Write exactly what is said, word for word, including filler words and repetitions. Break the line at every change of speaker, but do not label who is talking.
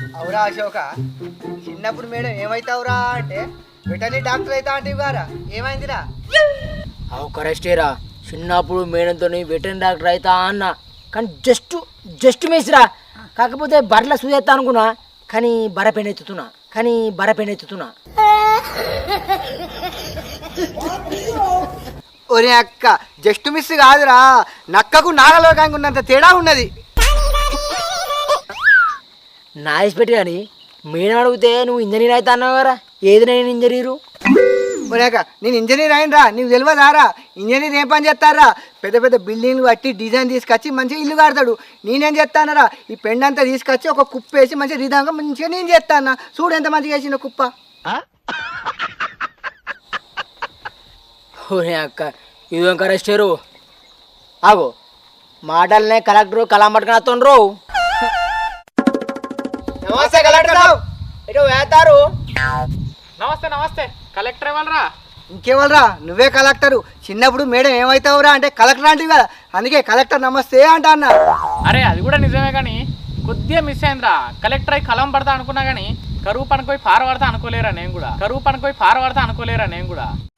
అవురా అశోక, చిన్నప్పుడు మేడం ఏమైతావురా అంటే వెటర్నరీ డాక్టర్ అవుతా అంటే గారా ఏమైందిరా?
అవు కరెస్టేరా, చిన్నప్పుడు మేడంతో వెటర్నరీ డాక్టర్ అవుతా అన్న, కానీ జస్ట్ జస్ట్ మిస్రా. కాకపోతే బర్రెల సూజెత్తా అనుకున్నా, కానీ బర్ర పెన్ ఎత్తుతున్నా కానీ బర్ర పెన్ ఎత్తుతున్నా
ఒరే అక్క, జస్ట్ మిస్ కాదురా, నక్కకు నాగలోకానికి ఉన్నంత తేడా ఉన్నది.
నాయిస్ పెట్టి కానీ మేడం అడిగితే నువ్వు ఇంజనీర్ అవుతా అన్నావు కదా, ఏది నేను ఇంజనీరు?
ఒరే అక్క, నేను ఇంజనీర్ అయినరా, నీకు తెలియదారా? ఇంజనీర్ ఏం పని చేస్తారా? పెద్ద పెద్ద బిల్డింగ్లు కట్టి డిజైన్ తీసుకొచ్చి మంచిగా ఇల్లు కడతాడు. నేనేం చేస్తానరా, ఈ పెండ్ అంతా తీసుకొచ్చి ఒక కుప్ప వేసి మంచిగా రిధంగా మంచిగా నేను చేస్తాను. చూడు ఎంత మంచిగా వేసిన కుప్ప.
ఓరే అక్క, ఇదేం కరెస్టేరు? ఆగో, మాటలనే కలెక్టరు కలాం పట్టుకుని వస్తుండ్రు.
నమస్తే కలెక్టర్.
ఇటు వేస్తారు.
నమస్తే నమస్తే, కలెక్టర్ ఇవ్వాలరా?
ఇంకేవాళ్ళరా, నువ్వే కలెక్టరు. చిన్నప్పుడు మేడం ఏమవుతావురా అంటే కలెక్టర్ అంటే కదా, అందుకే కలెక్టర్ నమస్తే అంట అన్న.
అరే అది కూడా నిజమే, కానీ కొద్దిగా మిస్ అయిందిరా. కలెక్టర్ అయి కలం పడతా అనుకున్నా కానీ కరువు పనిపోయి పార పడతా అనుకోలేరా నేను కూడా. కరువు పనిపోయి పార పడతా అనుకోలేరా నేను కూడా.